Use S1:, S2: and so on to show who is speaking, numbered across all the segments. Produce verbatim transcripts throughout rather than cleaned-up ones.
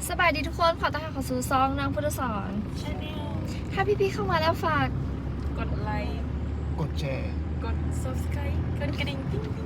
S1: สบายดีทุกคนขอต้อนรับเข้าสู่ซองนางพุทธสอนชาแนลถ้าพี่ๆเข้ามาแล้วฝาก
S2: กดไลค์
S3: กดแชร์
S2: กด subscribe กดกระดิ่งติ๊งติ๊ง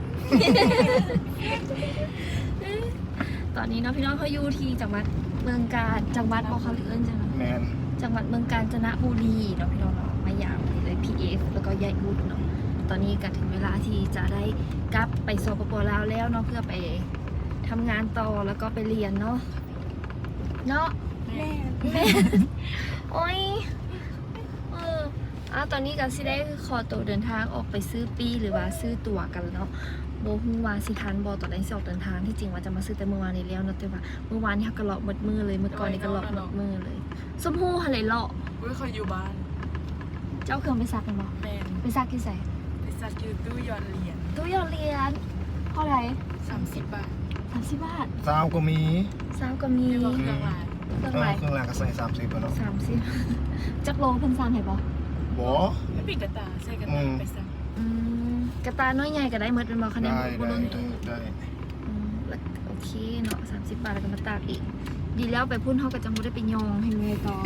S1: ตอนนี้น้องพี่น้องเขาอยู่ที่จังหวัดเมืองกาญจังหวัดบอกเขาหรือเอิ้นจัง
S3: แมน
S1: จังหวัดเมืองกาญจนบุรีเนาะพี่น้องเนาะมาอย่างเลยพีเอฟแล้วก็ยายอุดเนาะตอนนี้ก็ถึงเวลาที่จะได้กลับไปสปป.ลาวแล้วเนาะเพื่อไปทำงานต่อแล้วก็ไปเรียนเนาะเนาะ
S2: แม่
S1: แม่โอ้ยเอออ่ะตอนนี้ก็สิได้ขอตัวเดินทางออกไปซื้อปีหรือว่าซื้อตั๋วกันเนาะโบฮูว่าสิทันบอตอนแรกสิออกเดินทางที่จริงว่าจะมาซื้อแต่เมื่อวานนี้แล้วเนาะแต่ว่าเมื่อวานนี้เขาก็เลาะหมดมือเลยเมื่อก่อนนี่ก็เลาะหมดมือเลยส้มหู้อะไรเลาะ
S2: อุ้ยเขาอยู่บ้าน
S1: เจ้าเครื่องไปซักกันบ่
S2: แม่
S1: ไปซักกี่ใส่
S2: ไปซักอยู่ตู้หยอดเหรียญ
S1: ตู้หยอดเหรียญเท่าไหร่
S2: สามสิบบาท
S1: สามสิบบาท
S3: ซาวก็มี
S1: ซาวก็มี
S2: เครื่องลาย
S1: เครื่องลาย
S3: เครื่องรางก็ใส่สามสิบเนาะ
S1: สามสิบจักโลเพิ่นซันให้บ่
S3: บ่
S2: ไม่ปิดกระตาใส่กระตาไปซัก
S1: อืมกระตาน้อยใหญ่ก็ได้หมดเป็นบ่คะแนนบ่ล้นตู้
S3: ได้
S1: อืมแล้วโอเคเนาะสามสิบบาทแล้วก็มาตากอีกดีแล้วไปพุ่นเฮาก็จังบ่ได้ไปยองให้เมยต่อ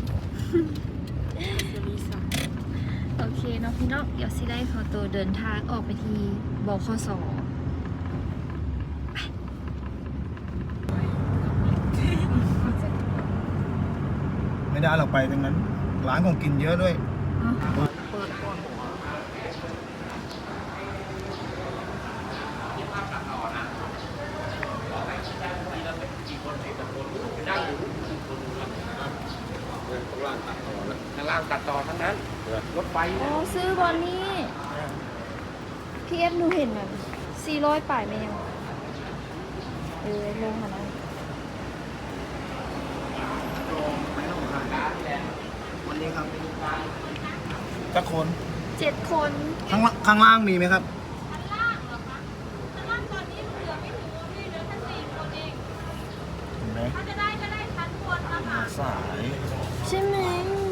S1: โอเคเนาะพี่น้องเดี๋ยวสิได้ขอตัวเดินทางออกไปที่บขส.
S3: ไม่ได้เราไปตรงนั้นร้านของกินเยอะด้วย
S4: ข้างล่างตัดต่อทั้งนั้นรถไฟ
S1: อ๋อซื้อบอลนี่พี่เอฟหนูเห็นแบบสี่ร้อยป่ายไหมยังเออลงค่ะนะ
S3: วันนี้ครับจักคน
S1: เจ็ดคน
S3: ข้างข้างล่างมีไหมครับ
S1: ข้างล่างเหรอคะข้างล่างตอนนี้เหลือไม่ถึงพี่เหลือแค่สี่คนเอง
S3: เห็นไหม
S1: ถ้าจะได้ก็ได้ชั้นบนนะคะ
S3: สาย
S1: ใช่ไหม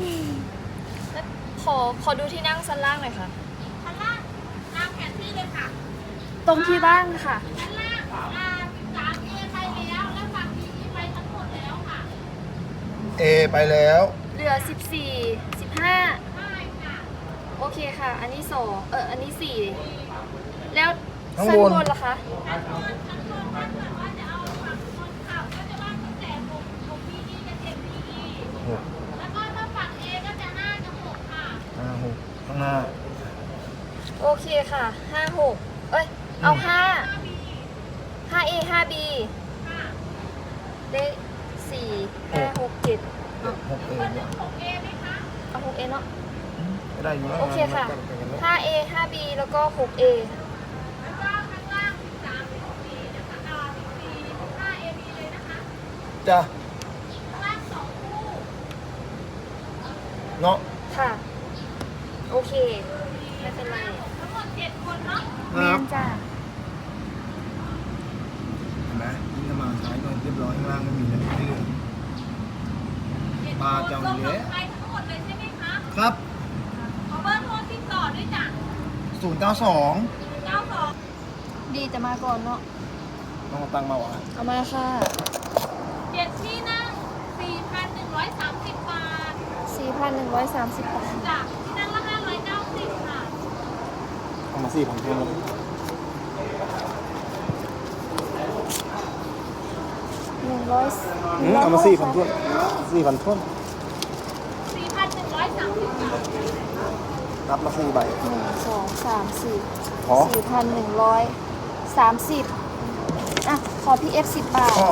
S1: ขอขอดูที่นั่งชั้นล่างหน่อยค่ะชั้นล่างตามแผนที่เลยค่ะตรงที่บ้างค่ะชั้นล่างอ่าสิบสามเอไปแล้วแล้วฝั่งบีไปทั้งหมดแล้วค่ะ
S3: เอไปแล้ว
S1: เหลือสิบสี่ สิบห้าโอเคค่ะอันนี้สองเอออันนี้สี่แล้วชั้นบนล่ะคะชั้นบนชั้นบนถ้าเกิดว่าจะเอาฝั่งคนขับก็จะว่างตั้งแต่หกหกพีอีกับเจ็ดพีอีแล้วก็ถ้าฝั่งเอก็จะห้ากับหกค่ะ
S3: ห้าหกข้างหน้า
S1: โอเคค่ะห้าหกเอ้ยเอาห้าห้าเอห้าบีได้สี่ห้าหกเจ็ด
S3: หกเอเนี่ย
S1: หกเอไหมคะเอาหกเอเนาะ
S3: ได้อยู่
S1: โอเคค่ะห้าเอห้าบีแล้วก็หกเอแล้วก็ข้างล่างสามสิบสี่นะคะอ่าสิบสี่ห้าเอบีเลยนะคะ
S3: จ้ะ
S1: ข้างล่างสองคู่
S3: เนาะ
S1: ค่ะโอเคไม่เป็นไรทั้งหมดเจ็ดคนเนาะแม่นจ้ะ
S3: เห็นไหมนี่จะมาใช้เงินเรียบร้อยข้างล่างไม่มีเลยที่เหลือปลาเจ้าเนี้ย
S1: ไปทั้งหมดเลยใช่ไหมคะ
S3: ครับ
S1: ขอเบอร์โทรติดต่อด้วยจ้ะ
S3: ศูนย์เก้าสอง
S1: เก้าสองดีจะมาก่อนเนาะ
S3: ต้องเอาตังค์มาวะ
S1: เอามาค่ะเจ็ดที่นั่งสี่พันหนึ่งร้อยสามสิบบาทสี่พันหนึ่งร้อยสามสิบบาทจ้ะที่นั่งละห้าร้อยเก้าสิบค่ะ
S3: เอามาสี่พันเท่านั้น
S1: หนึ่งร้อย
S3: เอามาสี่พันทุ่นสี่พันทุ่น
S1: สี่พันหนึ่งร้อยสามสิบบาท
S3: รับมาสี่ใบ
S1: หนึ่งสองสามสี่สี่พันหนึ่งร้อยสามสิบอ่ะขอพี่เอฟสิบบาท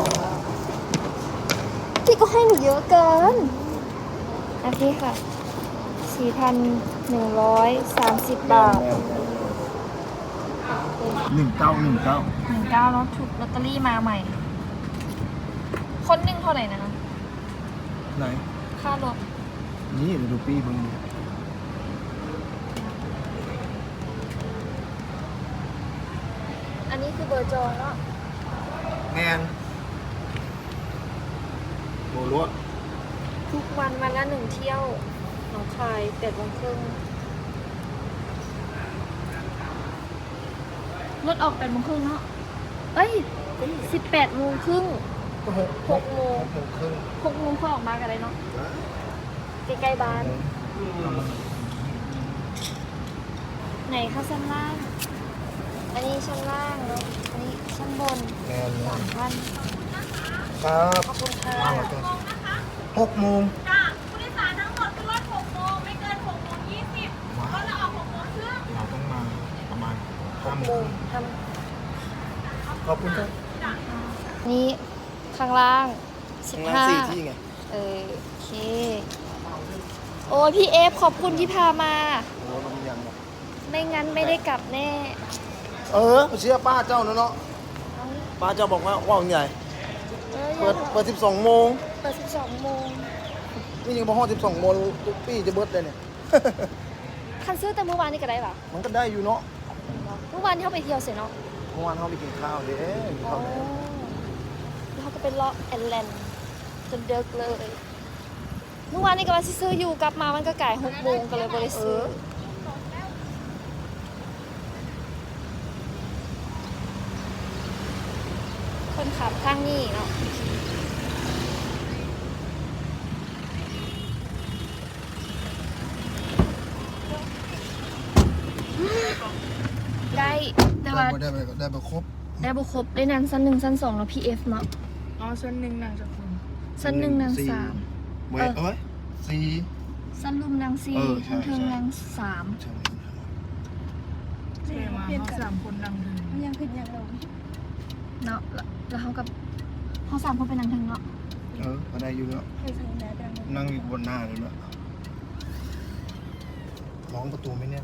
S1: พี่ก็ให้หนูเยอะเกินโอเคค่ะสี่พันหนึ่งร้อยสามสิบบาท
S3: หนึ่งเก้าหนึ่งเก้า
S1: หนึ่งเก้าแล้วถูกลอตเตอรี่มาใหม่คนหนึ่งเท่าไหร่นะคะ
S3: ไหน
S1: ค่ารถ
S3: นี่เดี๋ยวดูปีบึง
S1: อันนี้คือเบอร์จองเนาะ
S3: แงนโบลัว
S1: ทุกวันวันละหนึ่งเที่ยวหนองคายแปดโมงครึ่งรถออกแปดโมงครึ่งเนาะเอ้ยสิบแปดโมงครึ่ง
S3: หก
S1: หกโมง
S3: หกครึ่ง
S1: หกโมงค่อยออกมากันเลยเนาะใกล้ๆบ้าน ไหนคะชั้นล่าง อันนี้ชั้นล่างเนาะอันนี้ชั้นบน
S3: แน่น
S1: สามพัน
S3: ครับ
S1: ขอบคุณค่ะ
S3: หกโมง
S5: จ้าผู้โดยสารทั้งหมดขึ้นรถหกโมงไม่เกินหกโมงยี่สิบรถเราออกหกโมงครึ่ง
S3: เราต้องมาประมาณห้าโม
S1: โม
S3: ง
S1: งท
S3: ขอบคุณครับ
S1: ำนี่ข้างล่างสิบห้า
S3: สี่ที่ไง
S1: เออโอเค โอ้ยพี่เอฟขอบคุณที่พามา
S3: โอ้เรามียังบอก
S1: ไม่งั้นไม่ได้กลับแน่
S3: เออไปเชื่อป้าเจ้าเนาะเนาะป้าเจ้าบอกว่าว่างใหญ่
S1: เออ
S3: เปิดเปิดสิบสองโมง
S1: เปิดสิบสองโมง
S3: นี่ยังพอห้องสิบสองโมงทุกปีจะเบิดเลยเนี่ย
S1: คันซื้อแต่เมื่อวานนี่ก็ได้ปะ
S3: มันก็ได้อยู่เนาะ
S1: เมื่อวานที่เขาไปเที่ยวเสร็จเนาะ
S3: เมื่อวานเขาไปกินข้าวเด้
S1: อ๋อแล้วเขาก็เป็นเลาะแอนแลนด์จนเดิกเลย เมื่อวานนี้ก็ว่าสิซื้ออยู่กลับมามันก็ก่ายหกโมงก็เลยบริซื้อคนขับข้างนี่เนาะได้แต่ว่า
S3: ได้ไปได้ไปครบ
S1: ได้บุครบได้นางสั้นหนึ่งสั้นสองแล้วพีเอฟเนาะ
S2: อ๋อชั้นหนึ่งนางจากคุณ
S1: สั้นหนึ่งนางสาม
S3: เว้ยเอ้ยสี่
S1: สั้นรุมนางสี่
S3: เออใช่
S1: ทั้งเทิง
S3: ใช่
S1: นางสาม
S3: ใช่
S2: ใช่มาเขาสามคนนางเดิน
S1: ยังขึ้นยังลงเนาะแล้วแล้วเขากับเขาสามคนเป็นนางเทิงเนาะ
S3: เออก็ได้อยู่แล้ว
S1: เคยใส่แมสยัง
S3: นั่งอยู่บนหน้าเลยด้วยร้องประตูไม่แน่น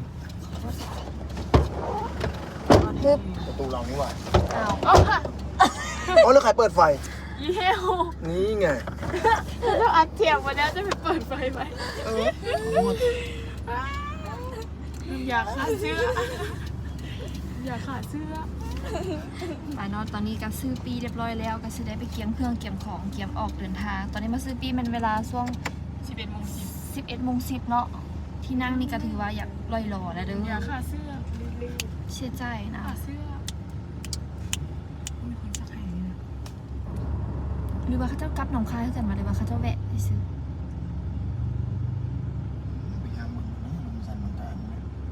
S1: ฮึบ
S3: ประตูเรานี่หว่า
S1: อ้าวอ้าว
S3: อ๋อแล้วใครเปิดไฟ
S2: ยี่เฮ้ว
S3: นี่ไง
S2: ถ้าอัดเทียมมาแล้วจะไปเปิดไฟไหม
S3: เออ
S2: อยากขาดเสื้ออยากขาดเสื้อ
S1: ไปเนาะตอนนี้ก็ซื้อปีเรียบร้อยแล้วก็ซื้อได้ไปเกียมเครื่องเกียมของเกียมออกเดินทาง ตอนนี้มาซื้อปีมันเวลาช่วง
S2: สิบเอ็ดโมงสิบ
S1: สิบเอ็ดโมงสิบเนาะที่นั่งนี่ก็ถือว่าอยากลอยหล่อแล้วเด้อ
S2: อยากขาดเสื้อเร็ว
S1: เชื่อใจนะ
S2: ๆขาดเสื้อมีคนสักแห่งนี่นะ
S1: หรือว่าเขาเจ้ากลับหนองคายกันมาหรือว่าเขาเจ้าแวะไปซื้อ
S3: พยายามมึงนะลงสันลงการนะ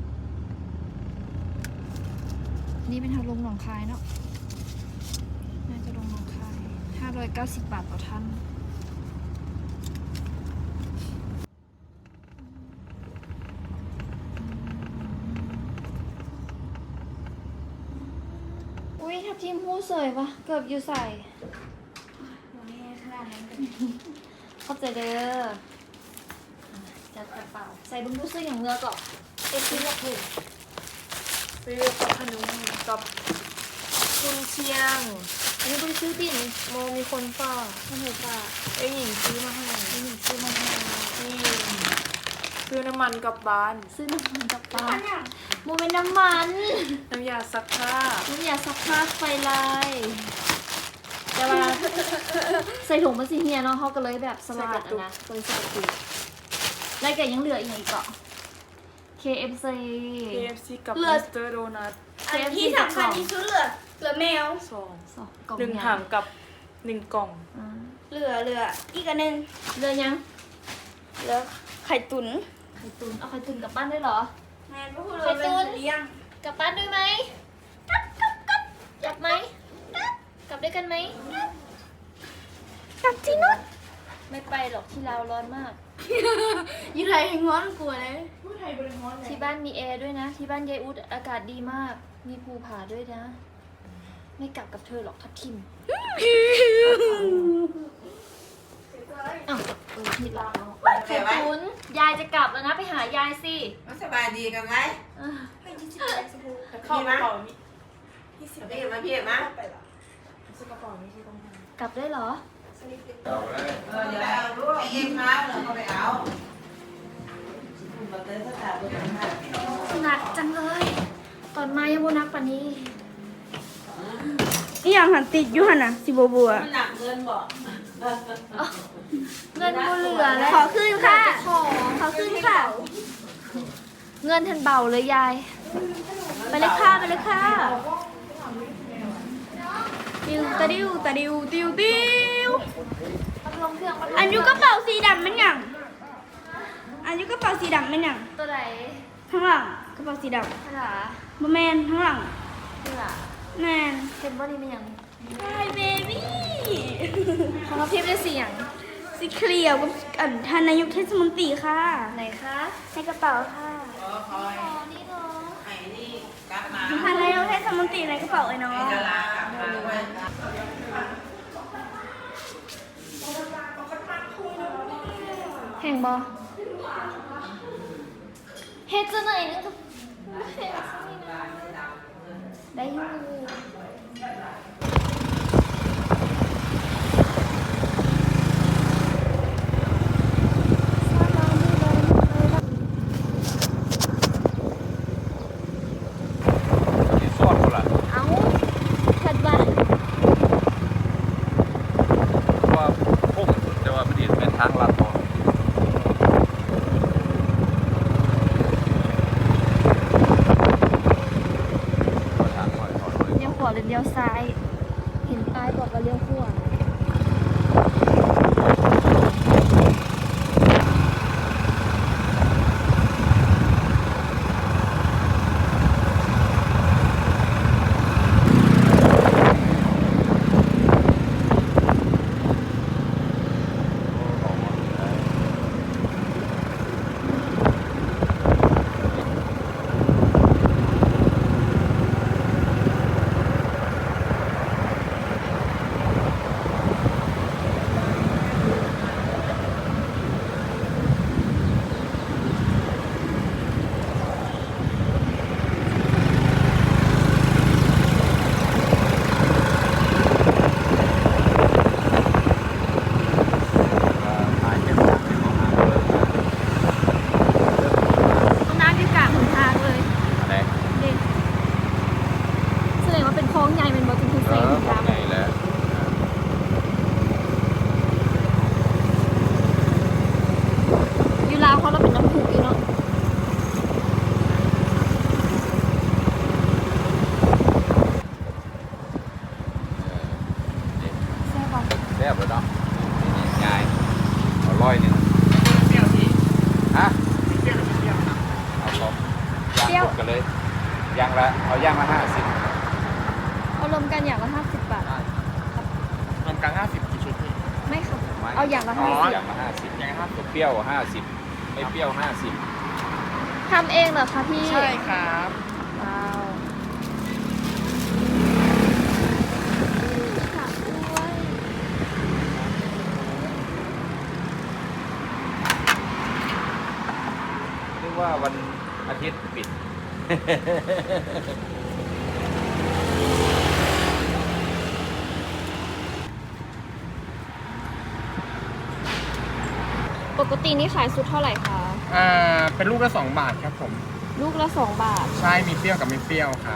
S1: นี่เป็นทางลงหนองคายเนาะน่าจะลงหนองคายห้าร้อยเก้าสิบบาทต่อท่านอุ้ยทับทิมหู้เสยปะเกือบอยู่ใส่เข้าใจเด้อจัดกระเป๋าใส่บุ้งดูซื้ออย่างเงือก่อนเอ็กซ์ที่เลือกถูก
S2: ซื้อกับขนมกับคุณเชียง
S1: อันนี้บริซื้อติ่น
S2: โมมีคนฝาก
S1: ไม่เห็นป่ะ
S2: ไอ้หญิงซื้อมาให้
S1: ไม่เห็นซื้อมาให้
S2: นี่ซื้อน้ำมันกลับบ้าน
S1: ซื้อน้ำมันกับปลาโมเป็นน้ำมัน
S2: น้ำยาซักผ้า
S1: น้ำยาซักผ้าไฟลายแต่ว่าใส่ถุงมันสีเฮียเนาะเขาก็เลยแบบสลัดอะนะก็เลยใส่ถุงแล้วแกยังเหลืออีกอีกเกาะ เค เอฟ ซี
S2: เค เอฟ ซี กับ
S1: เลื
S2: มิ
S1: อด
S2: สเตอร์โดนัท
S1: เค เอฟ ซี
S5: ที่สำคัญที่สุดเหลือเหลือแมว
S2: สอง
S1: สองกล่อง
S2: หนึ่ง
S1: ยา
S2: ถังกับหนึ่งกล่อง
S1: อ่า
S5: เหลือเหลืออีกอันหนึง
S1: เหลือยัง
S5: เหลือไข่ตุ๋น
S1: ไข่ตุนเอาไข่ตุนกลับบ้านได้เหรอ
S5: แม่ก็คือ
S1: ไข่ตุ๋น
S5: เลี้ยง
S1: กลับบ้านด้วยไหมกลับกลับกลับกลับไหมกลับด้วยกันไหม
S5: กลับที่นู่น
S1: ไม่ไปหรอกที่ลาวร้อนมาก
S5: ยี่ไทยให้ง้อนกลัวเลยพูดไทยบริง้อนเลย
S1: ที่บ้านมีแอร์ด้วยนะ ที่บ้านยายอุดอากาศดีมาก มีภูผาด้วยนะ ไม่กลับกับเธอหรอกทับทิมอ้าวเออผิดละไข่ตุนยายจะกลับแล้วนะไปหายายสิ
S6: มันสบายดีกันไหม
S1: เออ
S5: ไม่ยี่สิบแปดสิบหก
S2: เข้ากระเป๋านี้
S5: ยี่สิบ
S6: พี่มาพี่มา
S2: ซื้อกระเป๋านี้ที่ต้องทำ
S1: กลับได้เหรอ
S6: เออเดี๋ยวเอาลูกเองมาเดี๋ยวเขาไปเอามาเต้นสถาบันห้า
S1: หนักจังเลย ตอนมายังโบนักป่านนี้
S5: นี่ยังหันติดอยู่หันน่ะสิบัวบัว
S6: มันหนักเงินบ่
S1: อ้าวเงินโบเหลือแล้ว
S5: ขอคืนค่ะ
S1: ขอ
S5: ขอคืนค่ะ
S1: เงินทันเบาเลยยาย
S5: ไปเลยค่ะไปเลยค่ะ
S1: ย
S2: ติวตะดิวตะดิวติวติว
S1: ลงเครื่องมา
S2: อันยุกระเป๋าสีดำมันหยังอันยุกระเป๋าสีดำมันหยัง
S1: ตัวไหน
S2: ข้างหลังกระเป๋าสีด
S1: ขนาด
S2: ำบะแมนข้างหลัง
S1: นี่ล่ะ
S2: แมน
S1: เห็นบ่นี่มันยัง
S2: ไฮเบบี้
S1: ของเราเพียบได้เสียง
S2: สีเขียวกับอันท่านนายกเทศมนตรีค่ะ
S1: ไหนคะ
S2: ในกระเป๋าค่ะ
S6: ขอคอย
S1: อ๋อนี่เนาะ
S6: ไอ้นี่กลับมา
S2: ท่านนายกเทศมนตรีในกระเป๋าไอ้น้อง
S6: จะลากลับมาด้วย
S1: แห่งบ่เฮ็ดจะไหนนึงก็เฮ็ดซะนี่นะได้อยู่
S4: ที่ซอดคนละ
S1: เอ้าถัดว่า
S4: เพราะว่าพุ่งแต่ว่ามันดีเป็นทางลัดพอทางหน่อยถอยเลย
S1: เลี้ยวขวาหรือเลี้ยวซ้าย เห็นป้ายบอกว่าเลี้ยวขวา
S4: ถ่ายเป็นทางเป็นของทางเลย
S1: ห้องน้ำอยู่กลางหนทางเลย
S4: อะไร
S1: เด็กแสดงว่าเป็นคลองใหญ่เป็นบ่ถึงคือ
S4: เอ
S1: เซ็ง
S4: อ
S1: ตาม
S4: ใหญ่แล้ว
S1: อยู่ลาวเขาเราเป็นน้ำพุอยู่เนาะ แซ่บบ่
S4: แซ่บเลยเนาะง่ายเอาร้อยหนึ่งเปรี้ยวทีฮะเปรี้ยวหรือเปรี้ยวเอาสองย่างหมดกันเลยย่างละเอาย่างละห้าสิบ
S1: เอารวมกันอย่างละห้าสิบบาท
S7: รวมกันห้าสิบกี่ชุดพี่
S1: ไม่ค่ะเอาอย่างละ
S7: อ๋
S1: ห้า
S7: อ
S1: สิบ
S4: อย่างละห้าสิบ
S7: ยังไงครับ
S4: เปรี้ยวห้าสิบไม่เปรี้ยวห้าสิบ
S1: ทำเองเหรอคะพี่
S7: ใช่ครับ
S1: ว้าวค่ะด้วย
S4: เรียกว่าวันอาทิตย์ปิด
S1: ปกตินี่ขายสุดเท่าไหร่คะ
S7: อ่า เป็นลูกละสองบาทครับผม
S1: ลูกละสองบาท
S7: ใช่ มีเปรี้ยวกับไม่เปรี้ยวครับ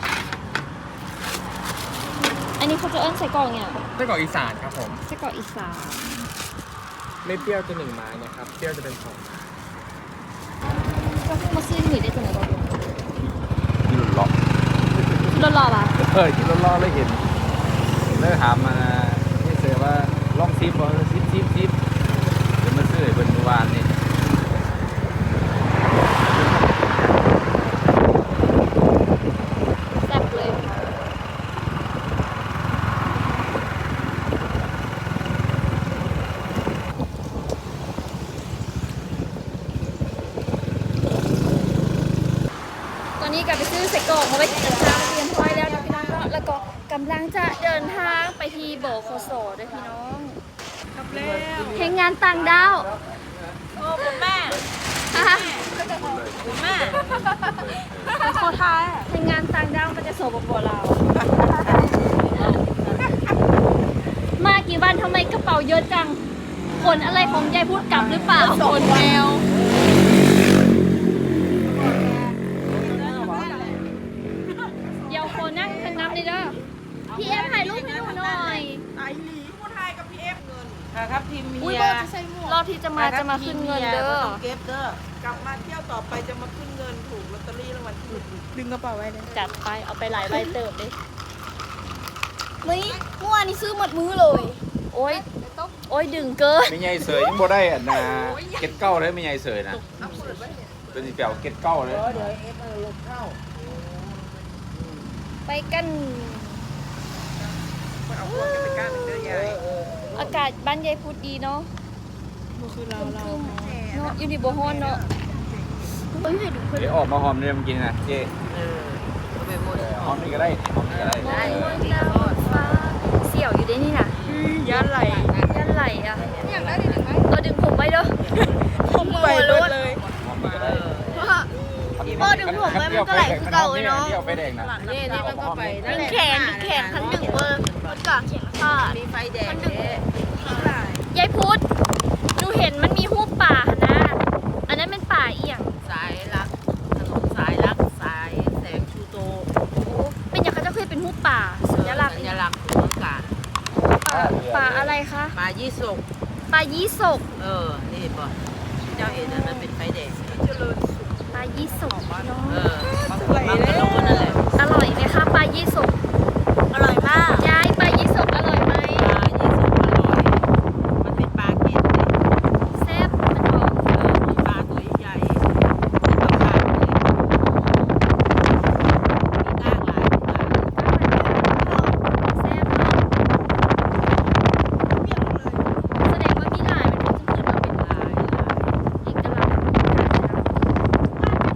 S1: อันนี้เขาจะเอิ้นใส่กล่องเนี่ย
S7: ไส้กรอกอีสานครับผม
S1: ใส่กล่องอีสาน
S7: ไม่เปรี้ยวจะหนึ่งไม้นะครับ เปรี้ยวจะเป็นสองไม้
S1: ก็เพิ่งมาซื้อหนีได้จังไหนบ้าง
S4: ที่หลุดล็อก
S1: รอรอป่ะ
S4: เฮ้ยที่รถล้อเลยเห็นเลยถามมาที่เสือว่าลองซิปบ่ซิปซิปซิปเดี๋ยวมาซื้อให้เป็นเมื่อวานนี่
S1: แซ่บเลยตอนนี้กลับไปซื้อใส่กล่องมาไว้กินกับข้าวเตรียมพร้อยแล้วนะพี่น้องเนาะแล้วก็กำลังจะเดินทางไปที่โบโคโซด้วยพี่น้องกับแล้วเพลงงานต่างดาว
S5: โอ้คุณแม่
S1: ฮะ
S5: คุณแม่
S1: โคทายเพลงงานต่างดาวมันจะโสบกว่าเรา มากี่วันทำไมกระเป๋าเยอะจังขนอะไรของยายพูดกลับหรือเปล่าขนแมวเดี๋ยวโคนั่งทางน้ำเลยเด้อพี่เอฟถ่ายรูปให้หนูหน่อย
S6: ไอ้หลีผู้ไทยกับพี่เอฟเงิน
S5: ครับทีมเมี
S1: อุ้ย
S5: ย
S1: โบจะใส่หมวกรอบที่จะมาจะมาขึ้นเงินเด้อ
S6: เก็บเด้อกลับมาเที่ยวต่อไปจะมาขึ้นเงินถูกลอตเตอรี่รางวัลที่หนึ่งดึงกระเป๋าไว้เลย
S1: จัดไปเอาไปหลายใบเติบเลยนี่เมื่อวานนี้ซื้อหมดมื้อเลย โอ้ยโอ้ยดึงเกิน
S4: ไม่ใหญ่เสยยังบ่ได้อ่ะนะเก็ตเก้าเลยไม่ใหญ่เสยนะเป็นสิเปียวเก็ตเก้าเลย
S1: ไปกันอากาศบ้านยายพุดดีเนาะ
S2: บ่คือเราเรา
S1: เนาะอยู่ในบ่ฮ้อนเนาะเฮ้ยให้ดูเพิ่น
S4: เดี๋ยวออกมาหอมเนี่ยมันกินนะเจ๊
S6: เออเอาไปหมด
S4: หอมนี่ก็ได้หอมนี่ก็ได้
S1: มองดาวฟ้าเสี่ยวอยู่ได้นี่น่ะ
S2: ยันไหล
S1: ยันไหลอ่ะอยากได้ดึงไหมเออดึงผมไว้เด้อ
S2: ผมไปเบิดเลย
S4: หอมนี่ก็ได้
S1: พ่อดึงผมไว้มันก็ไหลคือเก่าเลยเนาะ
S4: เที่ยวไปแดงนะ
S6: นี่นี่มันก็ไปนั่น
S1: ดึง
S6: แหละ
S1: แขนดึงแขนคันดึงเบอร์มันก่อนแขนขาด
S6: มีไฟแดงเด้
S1: ยายพุธหนูเห็นมันมีหูปป่านะ อันนั้นเป็นป่าเอียง
S6: สายลักถนนสายลักสายแสงชูโต
S1: เป็นอย่างเขาจะเคยเป็นหูปป่าสัญลักษณ์
S6: สัญลักษณ์ของกา
S1: ป่าป่าอะไรคะ
S6: ปลายี่สก
S1: ป่ายี่สก
S6: เออ นี่เห็นป่ะเจ้าเห็นนะมันเป็นไฟแดง
S1: ป่ายี่สกเนาะ
S6: เออมันก็รู้นั่นแหละ
S1: อร่อยไหมคะป่ายี่สกอร่อยมากยายป่ายี่สกอร่อยไหม
S6: ปลายี่สกอร่อยมันเป็นปลาเก็ดเลย
S1: แซ่บมันหอม
S6: เออมีปลาตัวใหญ่ๆเป็นปลาเลยมีกล้างหลายปลา
S1: แซ่บเนาะแสดงว่ามีหลายมันก็จะเกิดมาเป็น
S6: หลายหลาย
S1: เอกลักษณ์ของการทำ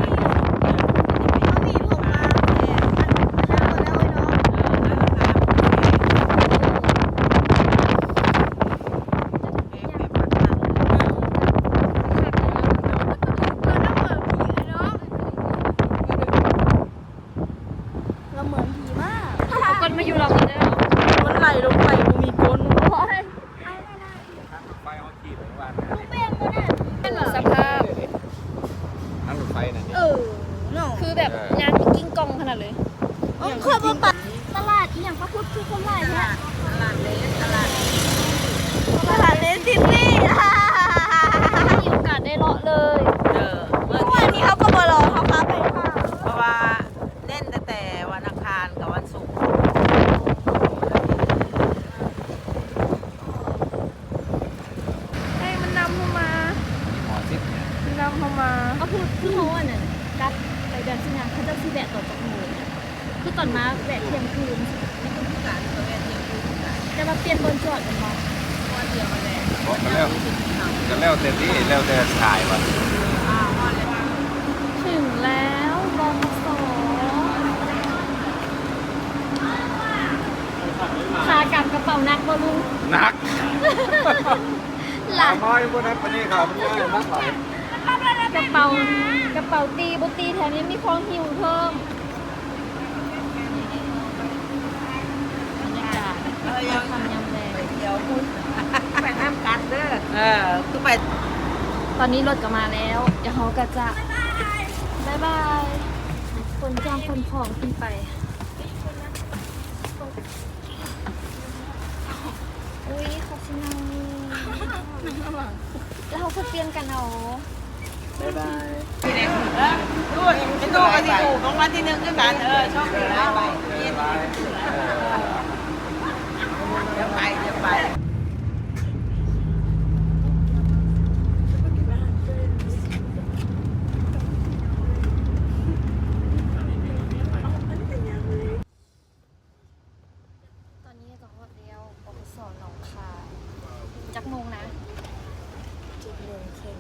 S1: เราเหมือนผีมากเอาก้นมาอยู่เรากันเด้อ
S2: มันไหลลงไปบ่มีก้น
S1: โอ้ย
S4: ไฟเขาขีดไว้ว่า
S1: เป็นหรอสภาพ
S4: นั่งรถไฟนั่นนี่
S1: เออคือแบบงานมีกิ้งกองขนาดเลยเคยไปตลาดอีหยังพระพุทธคือคนหลายเนี่ย
S6: ตลาดเล็กตลาด
S1: ตลาดเลสซิตี้มีโอกาสได้เลาะเลย
S6: เออเมื่อ
S1: วันนี้เขาก็มารอเขาพาไปค่ะ
S6: เพราะว่าเล่นตั้งแต่วันอังคารกับวันศุกร์
S1: ให้มันนำเข้ามา
S4: หอซิปเนี่ย
S1: มันนำเข้ามาก็คือคือเขาอ่ะเนี่ยกัดไปเดินที่งานเขาจะซีแบะต่อจากหมูคือตอนมาแบะเที่ยงคืน
S6: การตัวเองยังอยู่กัน
S1: จะมาเปลี่ยนบนจอดกันมา
S6: วันเดียวกันแหละ
S4: บอกกันแล้วกันแล้วเต็มที่แล้วแต่ถ่ายว่ะ
S6: อ้าววันเลย
S1: ถึงแล้วบองสอขากลับกระเป๋านักบอลุง
S4: หนัก
S1: หลัง
S4: น้อยพวกนั้นปนี่ครับมันง่ายนักหน่อย
S1: กระเป๋ากระเป๋าตีบุตีแถมยังมีของหิวเพิ่มบรรยากาศ
S6: เออยัง
S1: ทำยำแดง
S6: เดี๋ยวคุณไปน้ำกันเด้อเออคือไป
S1: ตอนนี้รถก็มาแล้ว เดี๋ยวเขาก็จะบายบายคนจ้างคนของขึ้นไปอุ้ยขอบคุณนะแล้วเขาก็เปลี่ยนกันเอา
S7: บ๊ายบาย
S6: ที่ไหนเออดูเป็นตัวกันที่ถูกของวันที่หนึ่งด้วยกันเออชอบไปไปเย็นเดี๋ยวไปเดี๋ยวไป
S1: ตอนนี้ก็ฮอดแล้วปปสหนองคายจักโมงนะเจ็ดโมงครึ่ง